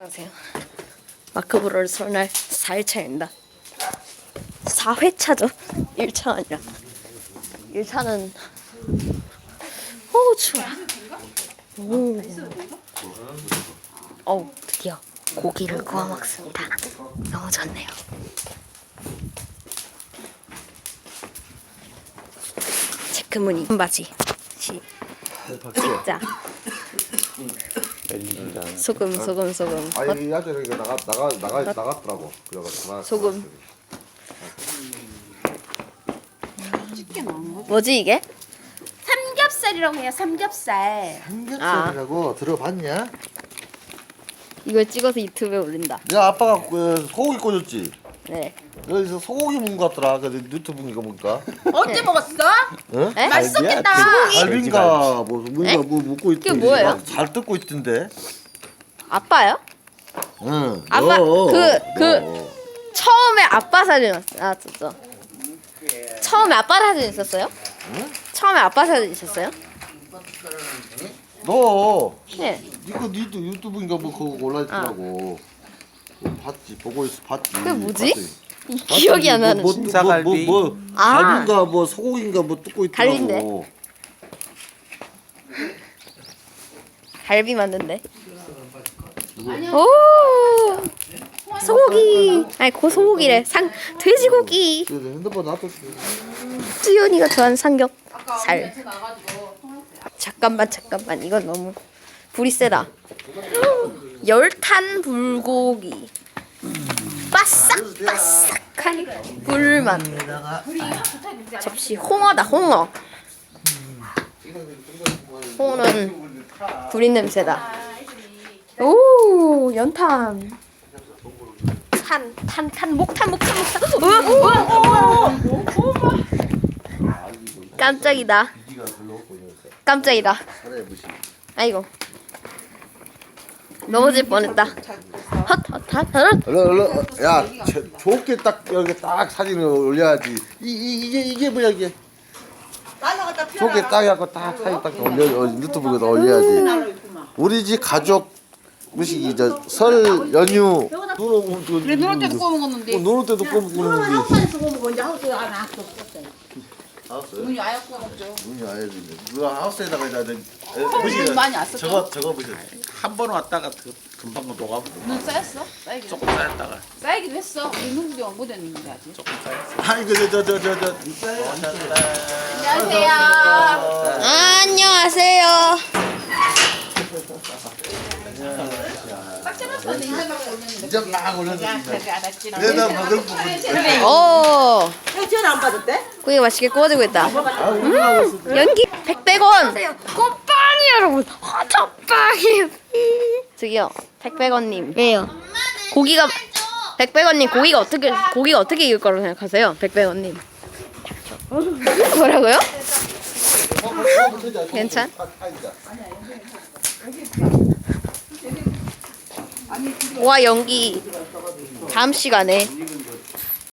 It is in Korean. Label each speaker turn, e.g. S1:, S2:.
S1: 안녕하세요. 마크브로를 설날 4일차입니다. 4회차죠. 1차 아니라. 1차는 추워. 드디어 고기를 구워 먹습니다. 너무 좋네요. 체크무늬 바지 진짜 소금.
S2: 아니 야채를 이거 나갔더라고. 그래가지고
S1: 소금. 뭐지 이게?
S3: 삼겹살이라고 해요. 삼겹살.
S2: 삼겹살이라고 들어봤냐?
S1: 이걸 찍어서 유튜브에 올린다.
S2: 야 아빠가 소고기 꽂았지.
S1: 네.
S2: 여기서 소고기 먹은 것 같더라. 그 유튜브 이거 보니까.
S3: 언제 먹었어?
S2: 응?
S1: 에?
S3: 맛있었겠다.
S2: 갈비인가 뭐 먹고 있던데.
S1: 그게 뭐예요?
S2: 잘 뜯고 있던데.
S1: 아빠요?
S2: 응.
S1: 아빠 처음에 아빠 사진 나왔었죠. 처음에 아빠 사진 있었어요?
S2: 응?
S1: 처음에 아빠 사진 있었어요?
S2: 너
S1: 네.
S2: 이거 니도 유튜브인가 뭐 그거 올라있더라고. 보고 있어 봤지.
S1: 그게 뭐지?
S2: 봤지?
S1: 기억이 안 나는.
S4: 닭갈비.
S2: 갈비인가 뭐 소고기인가 뭐 뜯고 있더라고.
S1: 갈비인데? 갈비 맞는데. 오 소고기. 아니 고소고기래. 돼지고기.
S2: 그래서 핸드폰 놔뒀어.
S1: 찌연이가 좋아하는 삼겹살. 잠깐만 이건 너무 불이 세다. 열탄 불고기. 바싹바싹한 불맛. 접시 홍어다 홍어. 홍어는 불린 냄새다. 오 연탄. 목탄. 깜짝이다. 아이고 넘어질 뻔했다.
S2: 얼른 야 좋게 딱 여기 딱 사진을 올려야지. 이게 뭐야 이게? 좋게 딱 해갖고 딱 사진 딱 올려 유튜브에다 올려야지. 우리 집 가족 음식이 설 연휴
S3: 그래 노을 때도 구워 먹었는데.
S2: 노을 때도 구워 먹는데.
S3: 하우스에서 구워 먹었는데 하우스에 안 왔어.
S2: 하우스?
S3: 눈이 아예 구워 먹죠.
S2: 눈이 아예 지네. 누가 하우스에다가
S3: 눈 많이 왔어.
S2: 저거 보세요.
S4: 한 번 왔다가 금방 녹아버려.
S3: 눈 쌓였어? 쌓이긴
S4: 조금 쌓였다가
S3: 쌓이기도 했어. 눈이 못 했는데 아직.
S4: 조금 쌓였어.
S2: 아이고
S1: 안녕하세요.
S2: 이제 막 올렸는데. 내가 먹을 부분.
S1: 오
S3: 전화 안 받았대?
S1: 고기가 맛있게 구워지고 있다. 연기 100원. 꽃빵이 여러분. 호떡빵이. 저기요 100원님. 왜요? 고기가 100원님 고기가 어떻게 익을 거라고 생각하세요? 100원님. 뭐라고요? 괜찮? 와 연기 다음 시간에